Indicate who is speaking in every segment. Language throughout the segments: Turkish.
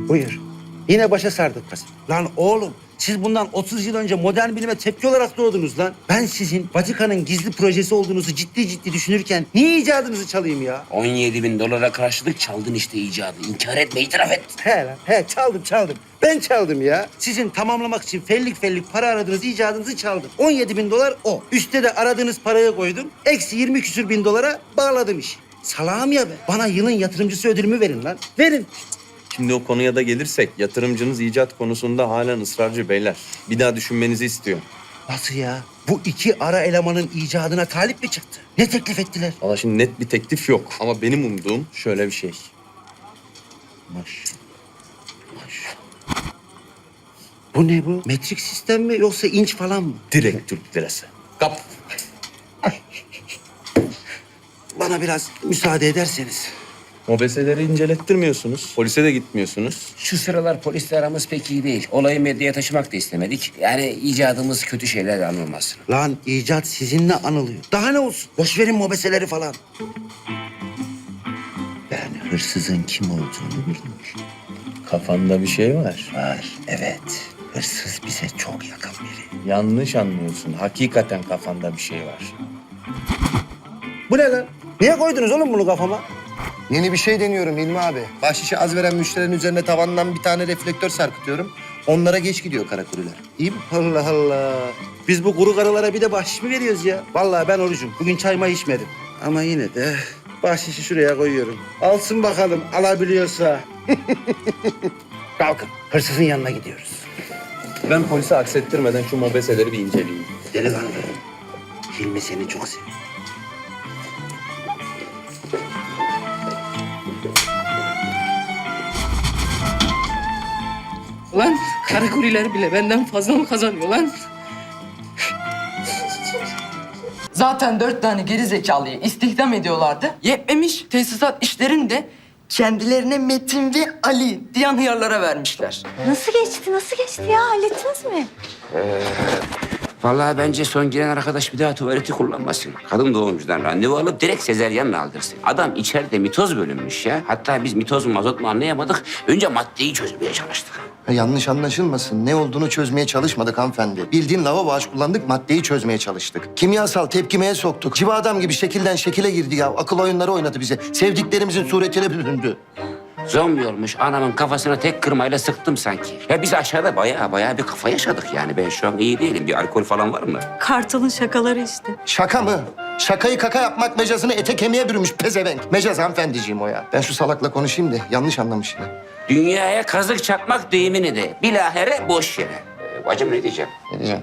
Speaker 1: Buyur. Yine başa sardık kız. Lan oğlum, siz bundan 30 yıl önce modern bilime tepki olarak doğdunuz lan. Ben sizin Vatikan'ın gizli projesi olduğunuzu ciddi düşünürken niye icadınızı çalayım ya?
Speaker 2: 17.000 dolara karşılık çaldın işte icadı. İnkar etme, itiraf et.
Speaker 1: He lan, he çaldım. Ben çaldım ya. Sizin tamamlamak için fellik para aradığınız icadınızı çaldım. 17.000 dolar o. Üste de aradığınız parayı koydum. Eksi 20 küsür bin dolara bağladım işi. Salağım ya ben. Bana yılın yatırımcısı ödülümü verin lan. Verin.
Speaker 3: Şimdi o konuya da gelirsek yatırımcınız icat konusunda halen ısrarcı beyler. Bir daha düşünmenizi istiyor.
Speaker 1: Nasıl ya? Bu iki ara elemanın icadına talip mi çıktı? Ne teklif ettiler?
Speaker 3: Valla şimdi net bir teklif yok ama benim umduğum şöyle bir şey.
Speaker 1: Maşallah. Bu ne bu? Metrik sistem mi yoksa inç falan mı?
Speaker 3: Direkt Türk lirası. Kap.
Speaker 1: Bana biraz müsaade ederseniz.
Speaker 3: Mobeseleri incelettirmiyorsunuz. Polise de gitmiyorsunuz.
Speaker 2: Şu sıralar polisle aramız pek iyi değil. Olayı medyaya taşımak da istemedik. Yani icadımız kötü şeylerle anılmasın.
Speaker 1: Lan icat sizinle anılıyor. Daha ne olsun? Boş verin mobeseleri falan. Ben hırsızın kim olduğunu bilmiyorum.
Speaker 3: Kafanda bir şey var.
Speaker 1: Var, evet. Hırsız bize çok yakın biri.
Speaker 3: Yanlış anlıyorsun. Hakikaten kafanda bir şey var.
Speaker 1: Bu ne lan? Niye koydunuz oğlum bunu kafama?
Speaker 4: Yeni bir şey deniyorum İlmi abi. Bahşişi az veren müşterilerin üzerine tavandan bir tane reflektör sarkıtıyorum. Onlara geç gidiyor kara kurular. İyi mi?
Speaker 1: Allah Allah. Biz bu kuru karılara bir de bahşiş mi veriyoruz ya? Vallahi ben orucum. Bugün çayma içmedim. Ama yine de bahşişi şuraya koyuyorum. Alsın bakalım alabiliyorsa. Kalkın. Hırsızın yanına gidiyoruz.
Speaker 3: Ben polise aksettirmeden şu mobeseleri bir inceleyeyim.
Speaker 1: Delikanlı. Hilmi seni çok seviyor.
Speaker 5: Lan karakuriler bile benden fazla mı kazanıyor lan?
Speaker 6: Zaten 4 tane geri zekalıyı istihdam ediyorlardı. Yetmemiş tesisat işlerini de kendilerine Metin ve Ali diyen hıyarlara vermişler.
Speaker 7: Nasıl geçti? Nasıl geçti ya? Hallettiniz mi?
Speaker 2: Vallahi bence son giren arkadaş bir daha tuvaleti kullanmasın. Kadın doğumcudan randevu alıp direkt sezeryanla aldırsın. Adam içeride mitoz bölünmüş ya. Hatta biz mitoz mu mazot mu anlayamadık. Önce maddeyi çözmeye çalıştık.
Speaker 4: Yanlış anlaşılmasın. Ne olduğunu çözmeye çalışmadık hanımefendi. Bildiğin lavabo ağaç kullandık, maddeyi çözmeye çalıştık. Kimyasal tepkimeye soktuk. Civa adam gibi şekilden şekile girdi ya. Akıl oyunları oynadı bize. Sevdiklerimizin suretiyle büründü.
Speaker 2: Zombi olmuş anamın kafasına tek kırmayla sıktım sanki. Ya biz aşağıda bayağı bir kafa yaşadık yani. Ben şu an iyi değilim. Bir alkol falan var mı?
Speaker 7: Kartal'ın şakaları işte.
Speaker 4: Şaka mı? Şakayı kaka yapmak mecazını ete kemiğe bürümüş pezevenk. Mecaz hanımefendiciğim o ya. Ben şu salakla konuşayım da yanlış anlamış ya.
Speaker 2: Dünyaya kazık çakmak deyimini de bilahare boş yere. Bacım ne diyeceğim?
Speaker 4: Ne diyeceğim?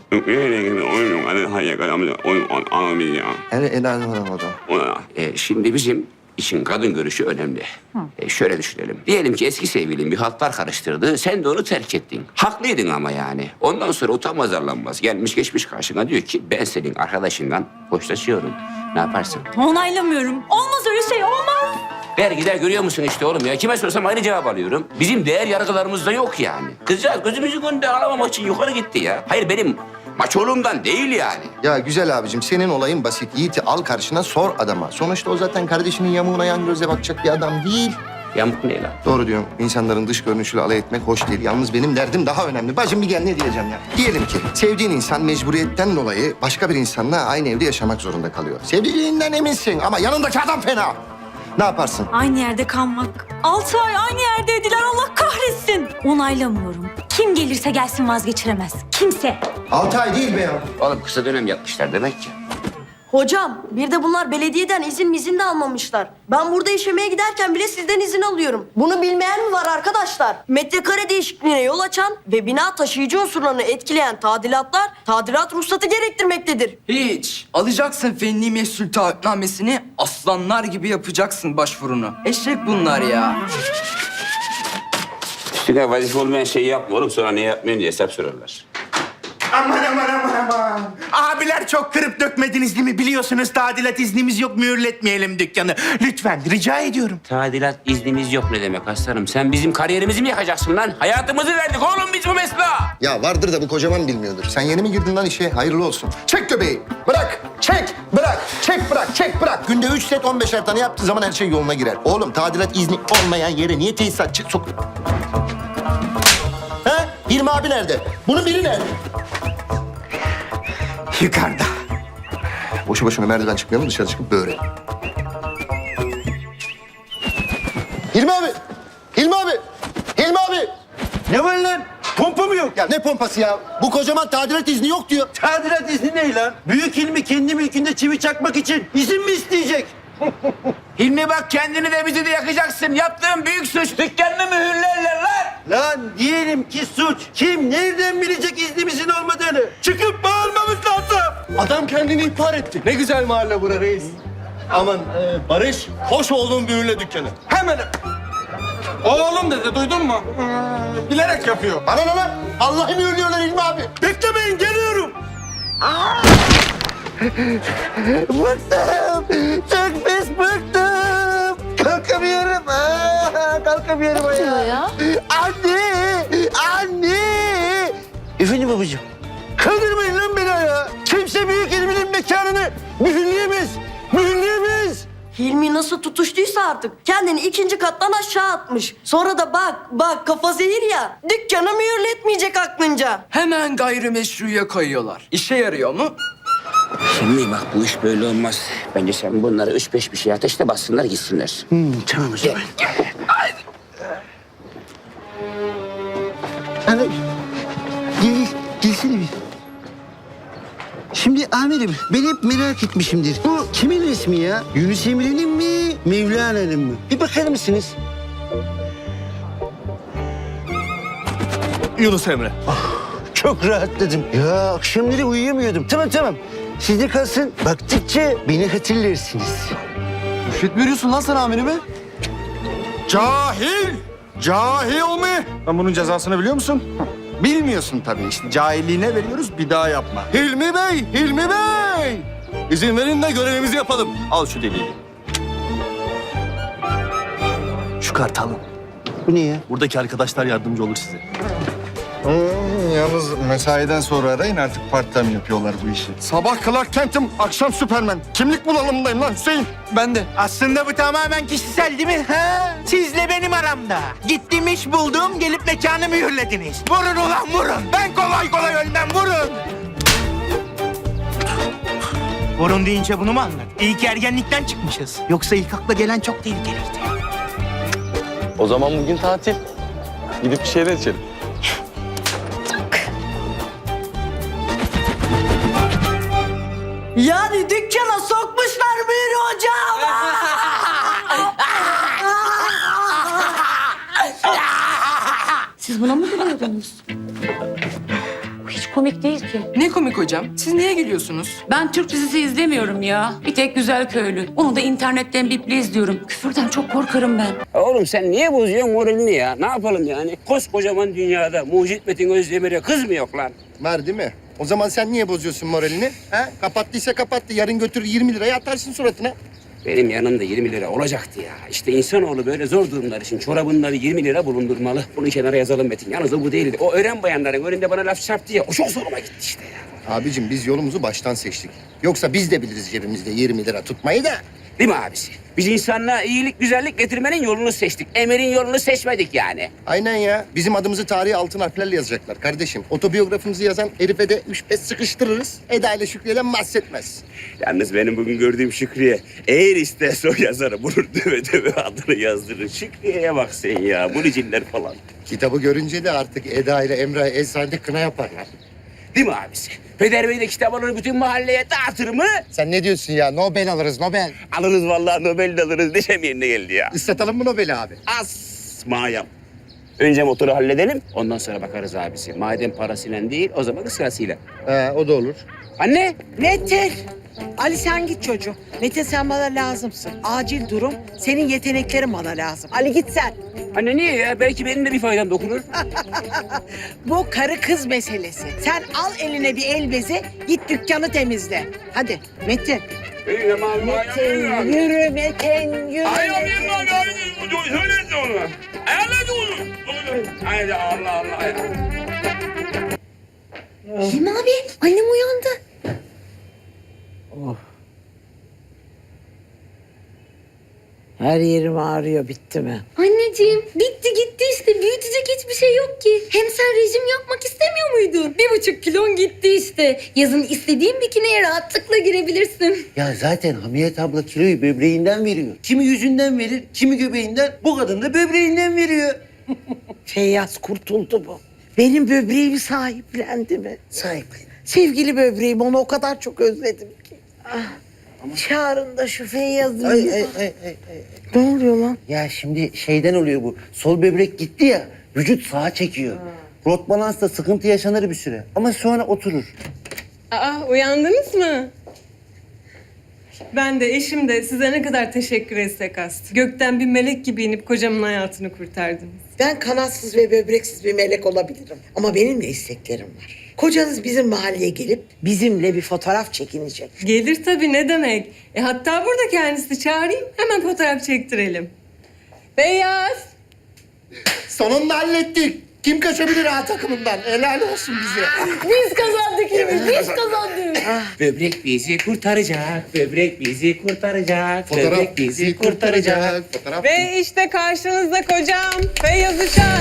Speaker 2: Şimdi bizim için kadın görüşü önemli. Şöyle düşünelim. Diyelim ki eski sevgilin bir haltlar karıştırdı. Sen de onu terk ettin. Haklıydın ama yani. Ondan sonra utanmaz arlanmaz. Gelmiş geçmiş karşına diyor ki ben senin arkadaşından hoşlaşıyorum. Ne yaparsın?
Speaker 7: Onaylamıyorum. Olmaz öyle şey, olmaz.
Speaker 2: Vergiler görüyor musun işte oğlum ya? Kime sorsam aynı cevap alıyorum. Bizim değer yargılarımızda yok yani. Kızcağız gözümüzün önünde ağlamamak için yukarı gitti ya. Hayır benim maçoluğumdan değil yani.
Speaker 4: Ya güzel abicim senin olayın basit. Yiğit'i al karşına sor adama. Sonuçta o zaten kardeşinin yamuğuna yan gözle bakacak bir adam değil.
Speaker 2: Yamuk ne lan?
Speaker 4: Doğru diyorum. İnsanların dış görünüşüyle alay etmek hoş değil. Yalnız benim derdim daha önemli. Bacım bir gel ne diyeceğim ya. Diyelim ki sevdiğin insan mecburiyetten dolayı başka bir insanla aynı evde yaşamak zorunda kalıyor. Sevdiğinden eminsin ama yanındaki adam fena. Ne yaparsın?
Speaker 7: Aynı yerde kalmak. 6 ay aynı yerdeydiler, Allah kahretsin. Onaylamıyorum. Kim gelirse gelsin vazgeçiremez. Kimse.
Speaker 4: 6 ay değil be ya.
Speaker 2: Oğlum kısa dönem yapmışlar demek ki.
Speaker 8: Hocam, bir de bunlar belediyeden izin de almamışlar. Ben burada işemeye giderken bile sizden izin alıyorum. Bunu bilmeyen mi var arkadaşlar? Metrekare değişikliğine yol açan ve bina taşıyıcı unsurlarını etkileyen tadilatlar, tadilat ruhsatı gerektirmektedir.
Speaker 6: Hiç. Alacaksın fenli mesul taahhütnamesini, aslanlar gibi yapacaksın başvurunu. Eşek bunlar ya.
Speaker 2: Üstüne vazife olmayan şeyi yapma oğlum. Sonra ne yapmayın diye hesap sorarlar.
Speaker 9: Aman. Abiler çok kırıp dökmediniz değil mi? Biliyorsunuz tadilat iznimiz yok, mühürletmeyelim dükkanı. Lütfen rica ediyorum.
Speaker 2: Tadilat iznimiz yok ne demek aslanım? Sen bizim kariyerimizi mi yakacaksın lan? Hayatımızı verdik oğlum biz bu mesleğe.
Speaker 4: Ya vardır da bu kocaman bilmiyordur. Sen yeni mi girdin lan işe? Hayırlı olsun. Çek göbeği. Bırak. Çek. Bırak. Çek bırak. Çek bırak. Günde 3 set 15'er tane yaptığı zaman her şey yoluna girer. Oğlum tadilat izni olmayan yere niye tesisatçı sok... Hilmi abi nerede? Bunun biri nerede?
Speaker 9: Yukarıda.
Speaker 4: Boşu boşuna merdiven çıkmayalım, dışarı çıkıp böğrelim. Hilmi abi! Hilmi abi! Hilmi abi!
Speaker 1: Ne var lan? Pompa mı yok?
Speaker 4: Ya ne pompası ya? Bu kocaman tadilat izni yok diyor.
Speaker 1: Tadilat izni ne lan? Büyük Hilmi kendi mülkünde çivi çakmak için izin mi isteyecek?
Speaker 2: Hilmi bak kendini de bizi de yakacaksın. Yaptığın büyük suç. Dükkanını mühürlerler lan.
Speaker 1: Lan diyelim ki suç. Kim nereden bilecek iznimizin olmadığını? Çıkıp bağırmamız lazım.
Speaker 4: Adam kendini ihbar etti. Ne güzel mahalle bura reis. Aman Barış, hoş olduğun büyüle dükkanı.
Speaker 9: Hemen. Oğlum dedi duydun mu? Bilerek yapıyor.
Speaker 4: Bana ne lan? Allah'ı mühürlüyorlar Hilmi abi.
Speaker 1: Beklemeyin geliyorum. Bıktım. Çok pis bıktım. Kalkamıyorum. Kalkamıyorum ya. Anne! Anne! Efendim babacığım. Kaldırmayın lan beni ayağa. Kimse büyük ilminin mekanını mühürleyemez. Mühürleyemez.
Speaker 8: Hilmi nasıl tutuştuysa artık kendini ikinci kattan aşağı atmış. Sonra da bak kafa zehir ya. Dükkanı mühürletmeyecek aklınca.
Speaker 6: Hemen gayrimeşruya kayıyorlar. İşe yarıyor mu?
Speaker 2: Şimdi bak bu iş böyle olmaz. Bence sen bunları 3-5 bir şey ateşte bassınlar gitsinler.
Speaker 1: Tamam o zaman. Gelsene bir. Şimdi amirim ben hep merak etmişimdir. Bu kimin resmi ya? Yunus Emre'nin mi? Mevlana'nın mı? Bir bakar mısınız?
Speaker 4: Yunus Emre.
Speaker 1: Çok rahatladım. Ya akşamları uyuyamıyordum. Tamam. Sizde kalsın. Baktıkça beni hatırlarsınız.
Speaker 4: Rüşvet mi veriyorsun lan sen amirime?
Speaker 9: Cahil! Cahil mi? Ben bunun cezasını biliyor musun? Bilmiyorsun tabii işte. Cahilliğine veriyoruz bir daha yapma.
Speaker 4: Hilmi Bey, Hilmi Bey! İzin verin de görevimizi yapalım. Al şu deliği. Şu kartalım.
Speaker 1: Bu ne ya?
Speaker 4: Buradaki arkadaşlar yardımcı olur size.
Speaker 9: Yalnız mesaiden sonra arayın artık part-time yapıyorlar bu işi. Sabah Clark Kent'im, akşam Superman. Kimlik bulalımdayım lan Hüseyin.
Speaker 6: Ben de.
Speaker 9: Aslında bu tamamen kişisel değil mi? Ha? Sizle benim aramda. Gittim iş buldum, gelip mekanı mühürlediniz. Vurun ulan vurun. Ben kolay kolay ölmem, vurun. Vurun deyince bunu mu anladın? İyi ki ergenlikten çıkmışız. Yoksa ilk akla gelen çok tehlikeliydi.
Speaker 3: O zaman bugün tatil. Gidip bir şeyler içelim.
Speaker 8: Yani dükkana sokmuşlar mühürü hocam.
Speaker 7: Siz buna mı gülüyordunuz? Bu hiç komik değil ki.
Speaker 6: Ne komik hocam. Siz niye gülüyorsunuz?
Speaker 5: Ben Türk dizisi izlemiyorum ya. Bir tek Güzel Köylü. Onu da internetten biple izliyorum. Küfürden çok korkarım ben.
Speaker 2: Oğlum sen niye bozuyorsun moralini ya? Ne yapalım yani? Koskocaman dünyada Mucit Metin Özdemir'e kız mı yok lan?
Speaker 4: Var değil mi? O zaman sen niye bozuyorsun moralini? Ha? Kapattıysa kapattı. Yarın götürür 20 liraya atarsın suratına.
Speaker 2: Benim yanımda 20 lira olacaktı ya. İşte insanoğlu böyle zor durumlar için çorabında bir 20 lira bulundurmalı. Bunu kenara yazalım Metin. Yalnız o bu değildi. O öğren bayanların önünde bana laf çarptı ya. O çok zoruma gitti işte ya.
Speaker 4: Abicim biz yolumuzu baştan seçtik. Yoksa biz de biliriz cebimizde 20 lira tutmayı da.
Speaker 2: Değil mi abisi? Biz insanlığa iyilik, güzellik getirmenin yolunu seçtik. Emir'in yolunu seçmedik yani.
Speaker 4: Aynen ya. Bizim adımızı tarihe altın harflerle yazacaklar kardeşim. Otobiyografimizi yazan herife de 3-5 sıkıştırırız. Eda ile Şükriye'den bahsetmez.
Speaker 2: Yalnız benim bugün gördüğüm Şükriye eğer isterse o yazarı bulur döve adını yazdırır. Şükriye'ye bak sen ya. Bu niciller falan.
Speaker 4: Kitabı görünce de artık Eda ile Emrah eczanede kına yaparlar.
Speaker 2: Değil mi abisi? Peder Bey de kitap alır bütün mahalleye dağıtır mı?
Speaker 4: Sen ne diyorsun ya? Nobel alırız Nobel.
Speaker 2: Alırız vallahi Nobel de alırız. Neşem yerine geldi ya.
Speaker 4: Islatalım mı Nobel'i abi?
Speaker 2: Asmayam. Önce motoru halledelim. Ondan sonra bakarız abisi. Madem parasıyla değil o zaman sırasıyla.
Speaker 4: O da olur.
Speaker 2: Anne.
Speaker 10: Metin! Ali sen git çocuğum. Metin sen bana lazımsın. Acil durum. Senin yeteneklerin bana lazım. Ali git sen.
Speaker 2: Anne niye ya? Belki benim de bir faydam dokunur.
Speaker 10: Bu karı kız meselesi. Sen al eline bir el bezi, git dükkanı temizle. Hadi Metin. Metin yürü Metin yürü.
Speaker 2: Söylesin onu. Haydi Allah Allah.
Speaker 7: Hilmi abi annem uyandı.
Speaker 10: Her yerim ağrıyor, bitti mi?
Speaker 7: Anneciğim bitti gitti işte büyütecek hiçbir şey yok ki. Hem sen rejim yapmak 1,5 kilon gitti işte. Yazın istediğin bikiniye rahatlıkla girebilirsin.
Speaker 1: Ya zaten Hamiyet abla kiloyu böbreğinden veriyor. Kimi yüzünden verir, kimi göbeğinden. Bu kadın da böbreğinden veriyor.
Speaker 10: Feyyaz kurtuldu bu. Benim böbreğimi sahiplendi mi?
Speaker 1: Sahiplen.
Speaker 10: Sevgili böbreğim, onu o kadar çok özledim ki. Çağırın da şu Feyyaz'ı.
Speaker 1: Ay.
Speaker 10: Ne oluyor lan?
Speaker 1: Ya şimdi şeyden oluyor bu. Sol böbrek gitti ya, vücut sağa çekiyor. Rot balansta sıkıntı yaşanır bir süre. Ama sonra oturur.
Speaker 11: Aa, uyandınız mı? Ben de eşim de size ne kadar teşekkür etsek az. Gökten bir melek gibi inip kocamın hayatını kurtardınız.
Speaker 10: Ben kanatsız ve böbreksiz bir melek olabilirim. Ama benim de isteklerim var. Kocanız bizim mahalleye gelip bizimle bir fotoğraf çekinecek.
Speaker 11: Gelir tabii, ne demek. Hatta burada kendisi, çağırayım hemen fotoğraf çektirelim. Beyaz.
Speaker 4: Sonunda hallettik. Kim kaçabilir A takımından? Helal olsun bize.
Speaker 7: Biz kazandık biz kazandık.
Speaker 2: Böbrek bizi kurtaracak, böbrek bizi kurtaracak,
Speaker 4: Fotoğraf
Speaker 2: böbrek bizi kurtaracak.
Speaker 4: Fotoğraf.
Speaker 11: Ve işte karşınızda kocam Feyyaz Uçar.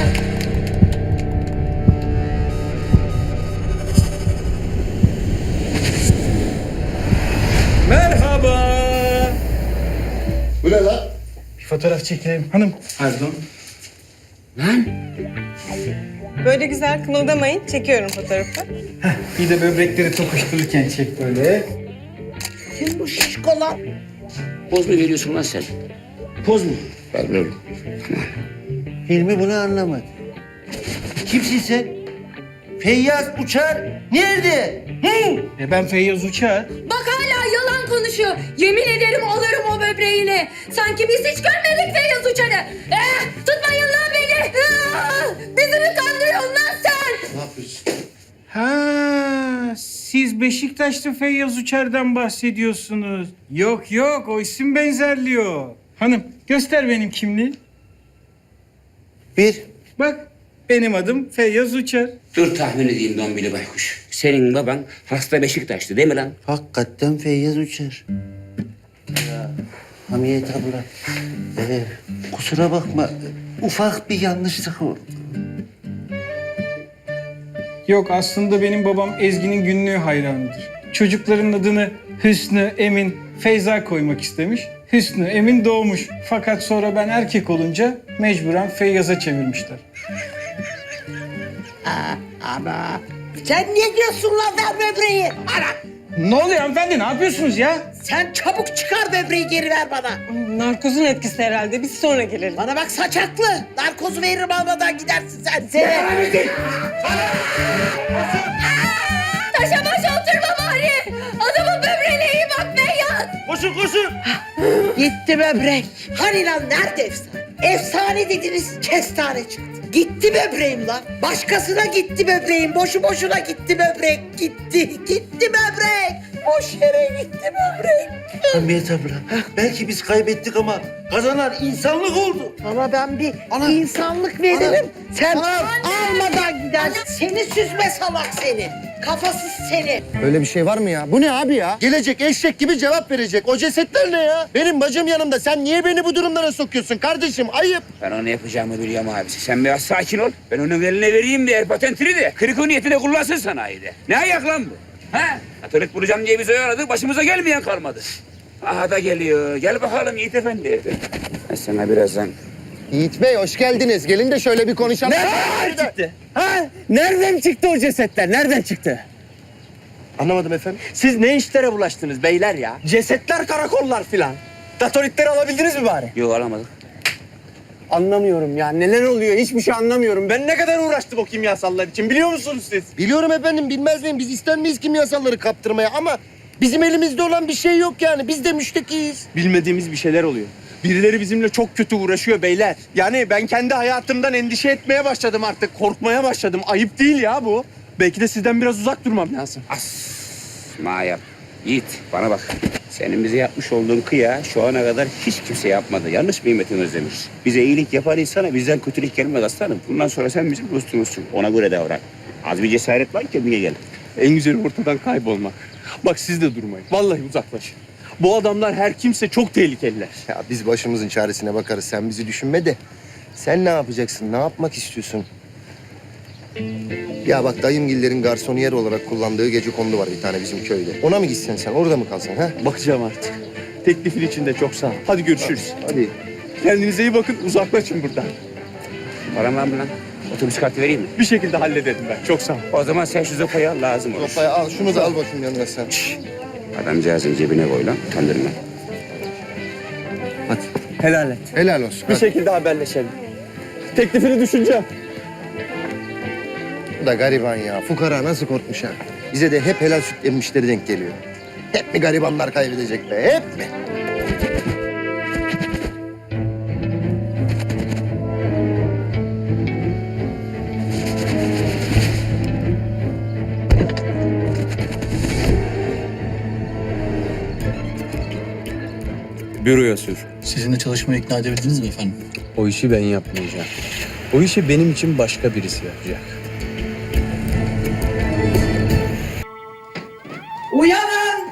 Speaker 9: Merhaba.
Speaker 4: Bu ne lan?
Speaker 9: Bir fotoğraf çekelim hanım. Pardon.
Speaker 2: Lan
Speaker 11: Böyle güzel kımıldamayın. Çekiyorum fotoğrafı.
Speaker 9: Bir de böbrekleri tokuştururken çek böyle.
Speaker 10: Kim bu şişko lan?
Speaker 2: poz mu veriyorsun lan sen?
Speaker 1: Poz mu?
Speaker 2: Vermiyorum.
Speaker 1: Hilmi bunu anlamadı. Kimsin sen? Feyyaz Uçar nerede? Hı?
Speaker 9: Ben Feyyaz Uçar.
Speaker 7: Bak hala yalan konuşuyor. Yemin ederim alırım o böbreğini. Sanki biz hiç görmedik Feyyaz Uçar'ı. Tutmayın lan beni. Bizi mi kandırıyorsun lan sen?
Speaker 4: Ne yapıyorsun?
Speaker 9: Ha, siz Beşiktaşlı Feyyaz Uçar'dan bahsediyorsunuz. Yok, o isim benzerliyor. Hanım, göster benim kimliği.
Speaker 1: Bir.
Speaker 9: Bak, benim adım Feyyaz Uçar.
Speaker 2: Dur tahmin edeyim Dombili Baykuş. Senin baban hasta Beşiktaşlı değil mi lan?
Speaker 1: Hakikaten Feyyaz Uçar. Ya Hamiyet abla. Kusura bakma. Ufak bir yanlışlık oldu.
Speaker 9: Yok, aslında benim babam Ezgi'nin günlüğü hayranıdır. Çocukların adını Hüsnü, Emin, Feyza koymak istemiş. Hüsnü, Emin doğmuş. Fakat sonra ben erkek olunca mecburen Feyyaz'a çevirmişler.
Speaker 10: Sen niye diyorsun lan ver böbreği?
Speaker 9: Ne oluyor hanımefendi? Ne yapıyorsunuz ya?
Speaker 10: Sen çabuk çıkar böbreği geri ver bana.
Speaker 11: Narkozun etkisi herhalde. Biz sonra gelelim.
Speaker 10: Bana bak saçaklı. Narkozu veririm almadan gidersin sen. Seni.
Speaker 7: Taşa başa oturma bari. Adamın böbreğine iyi bak Feyyaz.
Speaker 1: Koşun.
Speaker 10: Gitti böbrek. Hani lan nerede efsane? Efsane dediniz kestane çıktı. Gitti böbreğim lan. Başkasına gitti böbreğim. Boşu boşuna gitti böbrek. Gitti böbrek. Boş yere gitti böbrek.
Speaker 1: Hamiyet abla. Belki biz kaybettik ama kazanan insanlık oldu.
Speaker 10: Sana ben bir
Speaker 1: Ana.
Speaker 10: insanlık veririm. Sen
Speaker 1: Ana.
Speaker 10: almadan gider. Seni süzme salak seni. Kafasız seni.
Speaker 4: Öyle bir şey var mı ya? Bu ne abi ya? Gelecek eşek gibi cevap verecek. O cesetler ne ya? Benim bacım yanımda. Sen niye beni bu durumlara sokuyorsun kardeşim? Ayıp.
Speaker 2: Ben onu yapacağımı biliyorum abisi. Sen biraz sakin ol. Ben onun eline vereyim de patentini de kriko niyetine kullansın sanayide. Ne ayak lan bu? Ha? Katolik bulacağım diye bizi oyaladık. Başımıza gelmeyen kalmadı. Aha da geliyor. Gel bakalım Yiğit Efendi. Ben sana birazdan...
Speaker 4: Yiğit Bey hoş geldiniz. Gelin de şöyle bir konuşalım.
Speaker 9: Nereden çıktı? Ha? Nereden çıktı o cesetler? Nereden çıktı?
Speaker 4: Anlamadım efendim.
Speaker 6: Siz ne işlere bulaştınız beyler ya? Cesetler, karakollar filan. Datoritleri alabildiniz mi bari?
Speaker 2: Yok alamadık.
Speaker 6: Anlamıyorum ya. Neler oluyor? Hiçbir şey anlamıyorum. Ben ne kadar uğraştım o kimyasallar için biliyor musunuz siz?
Speaker 4: Biliyorum efendim, bilmez miyim? Biz ister miyiz kimyasalları kaptırmaya ama bizim elimizde olan bir şey yok yani. Biz de müştekiyiz.
Speaker 6: Bilmediğimiz bir şeyler oluyor. Birileri bizimle çok kötü uğraşıyor beyler. Yani ben kendi hayatımdan endişe etmeye başladım artık. Korkmaya başladım. Ayıp değil ya bu. Belki de sizden biraz uzak durmam lazım.
Speaker 2: Mayap. Yiğit bana bak. Senin bize yapmış olduğun kıya şu ana kadar hiç kimse yapmadı. Yanlış mı Metin Özdemir? Bize iyilik yapan insana bizden kötülük gelmez aslanım. Bundan sonra sen bizim dostumuzsun. Ona göre davran. Az bir cesaret var, kendine gel.
Speaker 6: En güzeli ortadan kaybolmak. Bak siz de durmayın. Vallahi uzaklaşın. Bu adamlar her kimse çok tehlikeliler.
Speaker 4: Ya biz başımızın çaresine bakarız. Sen bizi düşünme de. Sen ne yapacaksın? Ne yapmak istiyorsun? Ya bak dayımgillerin garsoniyer olarak kullandığı gecekondu var bir tane bizim köyde. Ona mı gitsen sen? Orada mı kalsan ha?
Speaker 6: Bakacağım artık. Teklifin için de çok sağ ol. Hadi görüşürüz.
Speaker 4: Hadi.
Speaker 6: Kendinize iyi bakın. Uzaklaşın buradan.
Speaker 2: Param var mı lan? Otobüs kartı vereyim mi?
Speaker 6: Bir şekilde hallederim ben. Çok sağ ol.
Speaker 2: O zaman sen şu sopayı al, lazım olur.
Speaker 4: Sopayı al. Şunu da al bakayım yanına sen.
Speaker 2: Adamcağızın cebine koy lan, utandırma.
Speaker 6: Hadi. Helal et.
Speaker 4: Helal olsun.
Speaker 6: Bir
Speaker 4: Hadi.
Speaker 6: şekilde haberleşelim. Teklifini düşüneceğim.
Speaker 4: Bu da gariban ya. Fukara nasıl korkmuş ha? Bize de hep helal süt emmişleri denk geliyor. Hep mi garibanlar kaybedecek be? Hep mi?
Speaker 3: Büroya sür.
Speaker 12: Sizinle çalışmaya ikna edebildiniz mi efendim?
Speaker 3: O işi ben yapmayacağım. O işi benim için başka birisi yapacak.
Speaker 10: Uyanın!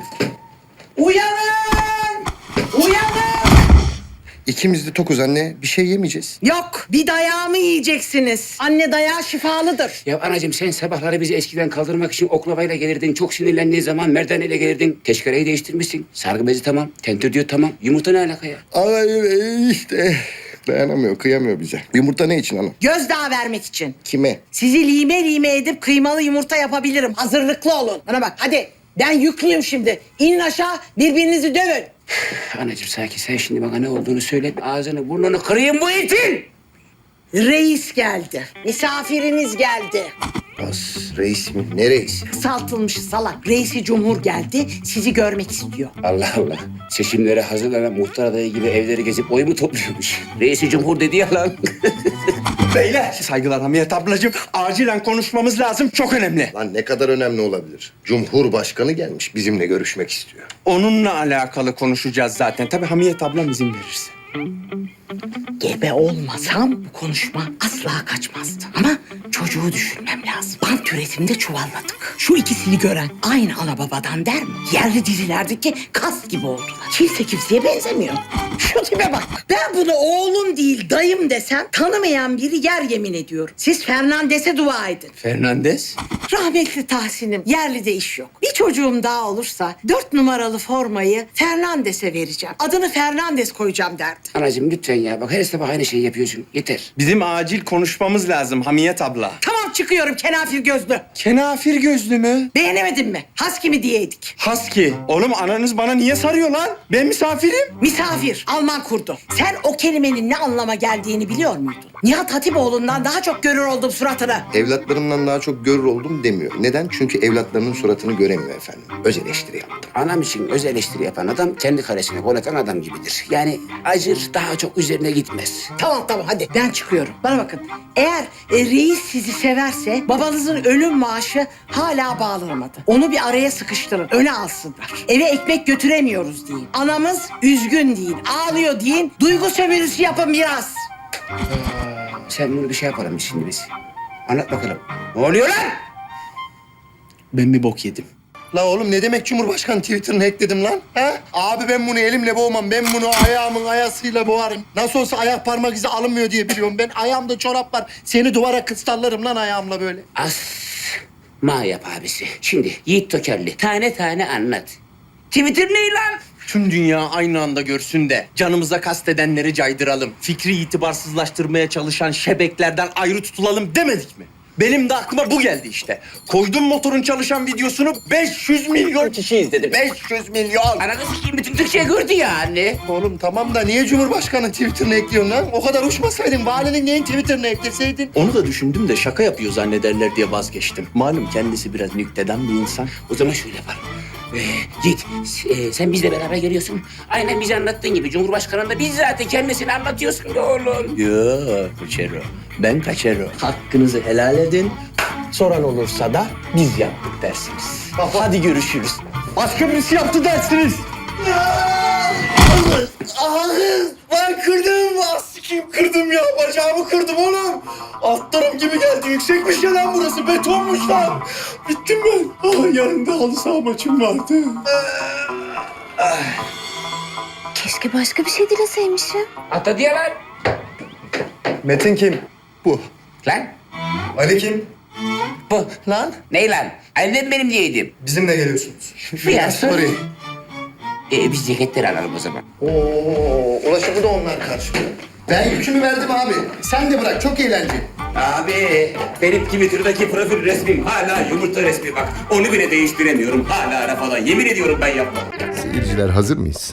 Speaker 10: Uyanın! Uyanın!
Speaker 4: İkimiz de tokuz anne. Bir şey yemeyeceğiz.
Speaker 10: Yok, bir dayağımı yiyeceksiniz. Anne dayağı şifalıdır.
Speaker 2: Ya anacığım sen sabahları bizi eskiden kaldırmak için oklavayla gelirdin. Çok sinirlendiğin zaman merdaneyle gelirdin. Teşkereyi değiştirmişsin. Sargı bezi tamam. Tentür diyor tamam. Yumurta ne alaka ya?
Speaker 4: Ay işte. Dayanamıyor, kıyamıyor bize. Yumurta ne için ana?
Speaker 10: Gözdağı vermek için.
Speaker 4: Kime?
Speaker 10: Sizi lime lime edip kıymalı yumurta yapabilirim. Hazırlıklı olun. Bana bak hadi. Ben yüklüyüm şimdi. İnin aşağı, birbirinizi dövün.
Speaker 2: Anacığım sakin, sen şimdi bana ne olduğunu söyle. Ağzını burnunu kırayım bu itin.
Speaker 10: Reis geldi. Misafiriniz geldi.
Speaker 4: Bas, reis mi? Ne reis?
Speaker 10: Kısaltılmış salak. Reisi Cumhur geldi. Sizi görmek istiyor.
Speaker 2: Allah Allah. Seçimlere hazırlanan muhtar adayı gibi evleri gezip oy mu topluyormuş? Reisi Cumhur dedi ya lan.
Speaker 6: Beyler. Saygılar Hamiyet ablacığım. Acilen konuşmamız lazım. Çok önemli.
Speaker 4: Lan ne kadar önemli olabilir? Cumhurbaşkanı gelmiş, bizimle görüşmek istiyor.
Speaker 6: Onunla alakalı konuşacağız zaten. Tabii Hamiyet ablam izin verirse.
Speaker 10: Gebe olmasam bu konuşma asla kaçmazdı. Ama çocuğu düşünmem lazım. Bant üretiminde çuvalladık. Şu ikisini gören aynı ana babadan der mi? Yerli dizilerdeki kas gibi oldular. Kimse kimseye benzemiyor. Şu tipe bak. Ben bunu oğlum değil dayım desem tanımayan biri yer yemin ediyorum. Siz Fernandes'e dua edin.
Speaker 6: Fernandez.
Speaker 10: Rahmetli Tahsin'im yerlide iş yok. Bir çocuğum daha olursa 4 numaralı formayı Fernandes'e vereceğim. Adını Fernandes koyacağım derdi.
Speaker 2: Anacığım lütfen ya. Bak her sabah aynı şeyi yapıyorsun. Yeter.
Speaker 6: Bizim acil konuşmamız lazım Hamiyet abla.
Speaker 10: Tamam çıkıyorum kenafir gözlü.
Speaker 6: Kenafir gözlü mü?
Speaker 10: Beğenemedin mi? Husky mi diyeydik?
Speaker 6: Husky. Oğlum ananız bana niye sarıyor lan? Ben misafirim.
Speaker 10: Misafir, Alman kurdu. Sen o kelimenin ne anlama geldiğini biliyor muydun? Nihat Hatipoğlu'ndan daha çok görür oldum suratını.
Speaker 4: Evlatlarımdan daha çok görür oldum demiyor. Neden? Çünkü evlatlarının suratını göremiyor efendim. Öz eleştiri yaptım.
Speaker 2: Anam için öz eleştiri yapan adam kendi karesine gol atan adam gibidir. Yani acır daha çok üzerine gitmez.
Speaker 10: Tamam hadi ben çıkıyorum. Bana bakın eğer reis sizi severse babanızın ölüm maaşı hala bağlanmadı. Onu bir araya sıkıştırın öne alsınlar. Eve ekmek götüremiyoruz deyin. Anamız üzgün deyin ağlıyor deyin. Duygu sömürüsü yapın biraz.
Speaker 2: Sen bunu bir şey yapalım biz şimdi biz. Anlat bakalım. Ne oluyor lan?
Speaker 6: Ben bir bok yedim.
Speaker 4: La oğlum ne demek Cumhurbaşkanı Twitter'ını hackledim lan? Ha? Abi ben bunu elimle boğmam. Ben bunu ayağımın ayasıyla boğarım. Nasıl olsa ayak parmak izi alınmıyor diye biliyorum. Ben ayağımda çorap var. Seni duvara kıstallarım lan ayağımla böyle.
Speaker 2: Ma yap abisi. Şimdi Yiğit Tokerli tane tane anlat. Twitter ne lan?
Speaker 6: Tüm dünya aynı anda görsün de canımıza kastedenleri caydıralım. Fikri itibarsızlaştırmaya çalışan şebeklerden ayrı tutulalım demedik mi? Benim de aklıma bu geldi işte. Koydum motorun çalışan videosunu 500 milyon kişi izledi. 500 milyon.
Speaker 2: Ananı sikeyim bütün Türkçe gördü ya anne.
Speaker 4: Oğlum tamam da niye Cumhurbaşkanı Twitter'ını ekliyorsun lan? O kadar uçmasaydın valinin neyin Twitter'ını ekleseydin?
Speaker 6: Onu da düşündüm de şaka yapıyor zannederler diye vazgeçtim. Malum kendisi biraz nüktedan bir insan.
Speaker 2: O zaman şöyle yapalım. Yiğit, sen bizle beraber geliyorsun. Aynen bize anlattığın gibi Cumhurbaşkanı'nda bizzat kendisini anlatıyorsun da oğlum.
Speaker 6: Yok Kaçero. Ben Kaçero. Hakkınızı helal edin. Soran olursa da biz yaptık dersiniz. Hadi görüşürüz. Başka birisi yaptı dersiniz. Ben kırdım. Sikim kırdım ya. Bacağımı kırdım oğlum. Atlarım gibi geldi. Yüksekmiş ya lan burası. Betonmuş lan. Bittim ben. Yarın da halı saha maçım vardı.
Speaker 7: Keşke başka bir şey dileseymişim.
Speaker 2: Ata diye lan.
Speaker 3: Metin kim?
Speaker 4: Bu.
Speaker 2: Lan.
Speaker 3: Ali kim?
Speaker 6: Bu lan.
Speaker 2: Ney lan? Annem benim diyeydim.
Speaker 4: Bizimle geliyorsunuz.
Speaker 2: Biraz
Speaker 4: Sorry.
Speaker 2: Biz ceketleri alalım o zaman.
Speaker 4: Ulaşımı da onlar karşılıyor. Ben yükümü verdim abi. Sen de bırak, çok eğlenceli.
Speaker 2: Abi benim Twitter'daki profil resmim hala yumurta resmi bak. Onu bile değiştiremiyorum. Hala ara falan. Yemin ediyorum ben yapmam.
Speaker 4: Seyirciler hazır mıyız?